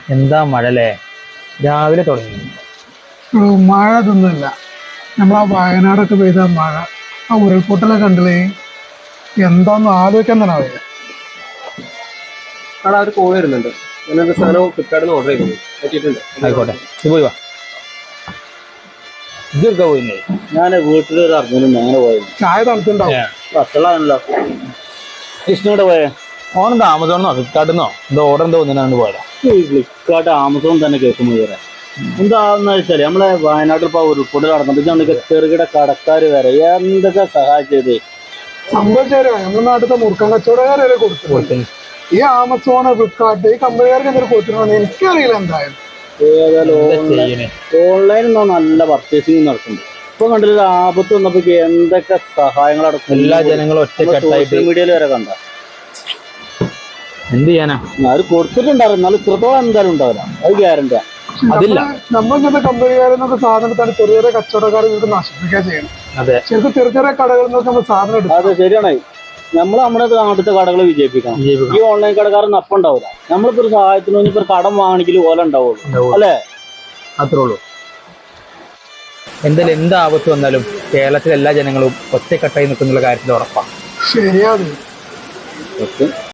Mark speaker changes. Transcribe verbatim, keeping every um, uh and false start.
Speaker 1: എന്താ മഴ അല്ലേ? രാവിലെ തുടങ്ങി.
Speaker 2: മഴ ഇതൊന്നുമില്ല. നമ്മളാ വയനാടൊക്കെ പെയ്ത മഴ, ആ ഉരുൾപൊട്ടലൊക്കെ കണ്ടില്ലേ? എന്താന്ന് ആലോചിക്കാൻ തന്നെ അറിയില്ല.
Speaker 3: അവിടെ ഒരു കോൾ വരുന്നുണ്ട്. ഞാനൊരു സാധനം ഫ്ലിപ്കാർട്ടിൽ നിന്ന് ഓർഡർ ചെയ്തത് പറ്റിയിട്ടുണ്ട്.
Speaker 1: ആയിക്കോട്ടെ, ഇത് പോയി വാ. ഇതൊക്കെ പോയില്ലേ?
Speaker 3: ഞാൻ വീട്ടിലൊരു അർജുനും അങ്ങനെ പോയത്
Speaker 2: ചായ തണുത്തുണ്ടാവും.
Speaker 3: പത്തളാണല്ലോ. കൃഷ്ണോടെ പോയേ
Speaker 1: ഓനെന്താ ആമസോണിന്നോ ഫ്ലിപ്കാർട്ടിന്നോ എന്തോ ഓർഡർ എന്തോ ഒന്നിനാണ്ട് പോയതാ.
Speaker 3: ഫ്ലിപ്കാർട്ട് ആമസോൺ തന്നെ കേൾക്കുമ്പോൾ വരെ എന്താന്ന് വെച്ചാല് നമ്മളെ വയനാട്ടിൽ ഇപ്പൊ ഉരുൾപൊട്ടൽ നടന്നിട്ട് ചെറുകിട കടക്കാർ വരെ എന്തൊക്കെ സഹായിച്ചത്.
Speaker 2: സംഭവിച്ചാലോ നമ്മുടെ നാട്ടിലത്തെ മുറുക്കൻ കച്ചവടക്കാർ വരെ കൊടുത്തു. ഈ ആമസോണ്, ഫ്ലിപ്കാർട്ട്, ഈ കമ്പനിക്കാർക്ക് എന്തൊരു കൊടുത്തിട്ടുണ്ടോ എനിക്കറിയില്ല. എന്തായാലും
Speaker 3: ഏതായാലും ഓൺലൈനിൽ നിന്നോ നല്ല പർച്ചേസിങ് നടക്കുന്നുണ്ട്. ഇപ്പൊ കണ്ടില്ല, ആപത്ത് വന്നപ്പോ എന്തൊക്കെ സഹായങ്ങൾ അടക്കും.
Speaker 1: എല്ലാ ജനങ്ങളും ഒറ്റക്കെട്ടായിട്ട്
Speaker 3: സോഷ്യൽ മീഡിയയിൽ വരെ കണ്ട.
Speaker 1: എന്ത് ചെയ്യാനാ?
Speaker 3: അത് കൊടുത്തിട്ടുണ്ടാവും, എന്നാലും ഇത്രത്തോളം എന്തായാലും ഉണ്ടാവില്ല, അത് ഗ്യാരണ്ടിയാ.
Speaker 1: അതില്ല,
Speaker 2: നമ്മളിങ്ങനത്തെ കമ്പനിക്കാരിൽ നിന്നൊക്കെ സാധനത്താണ് ചെറിയ ചെറിയ കച്ചവടക്കാർ ഇവർക്ക് നശിപ്പിക്കുക ചെയ്യണം.
Speaker 1: അതെ,
Speaker 2: ശരിക്കും ചെറിയ ചെറിയ കടകളിൽ നിന്നൊക്കെ നമ്മൾ സാധനം എടുക്കും.
Speaker 3: അതെ, ശരിയാണ്. നമ്മൾ നമ്മുടെ നാട്ടിലത്തെ കടകളെ വിജയിപ്പിക്കണം. ഈ ഓൺലൈൻ കടക്കാരൻ അപ്പം ഉണ്ടാവില്ല. നമ്മളിപ്പോ ഒരു സഹായത്തിന് ഇപ്പൊ ഒരു കടം വാങ്ങണമെങ്കിൽ ഓല ഉണ്ടാവുള്ളൂ, അല്ലേ?
Speaker 1: അത്രേ ഉള്ളൂ. എന്തായാലും എന്ത് ആപത്ത് വന്നാലും കേരളത്തിലെ എല്ലാ ജനങ്ങളും ഒറ്റക്കെട്ടായി നിൽക്കുന്നുള്ള കാര്യത്തിൽ ഉറപ്പാണ്.
Speaker 2: ശരിയാ.